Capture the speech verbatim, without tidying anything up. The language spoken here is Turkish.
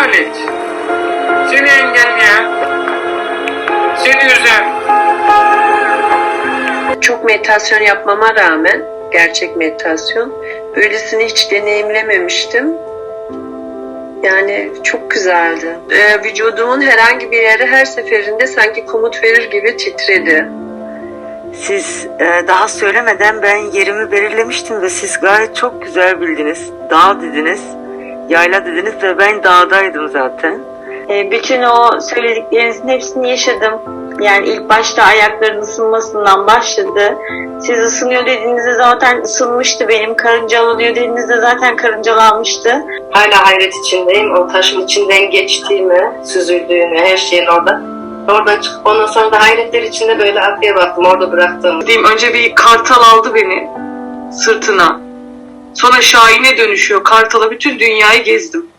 alet. Seni engelleyen, seni üzen. Çok meditasyon yapmama rağmen, gerçek meditasyon, böylesini hiç deneyimlememiştim. Yani çok güzeldi. Ee, vücudumun herhangi bir yeri her seferinde sanki komut verir gibi titredi. Siz e, daha söylemeden ben yerimi belirlemiştim ve siz gayet çok güzel bildiniz. Dağ dediniz, yayla dediniz ve ben dağdaydım zaten. E, bütün o söylediklerinizin hepsini yaşadım. Yani ilk başta ayakların ısınmasından başladı. Siz ısınıyor dediğinizde zaten ısınmıştı benim. Karıncalanıyor dediğinizde zaten karıncalanmıştı. Hala hayret içindeyim. O taşın içinden geçtiğimi, süzüldüğünü, her şeyin orada. Oradan çıkıp ondan sonra da hayretler içinde böyle arkaya baktım. Orada bıraktığım. Diyeyim, önce bir kartal aldı beni sırtına. Sonra şahine dönüşüyor. Kartala bütün dünyayı gezdim.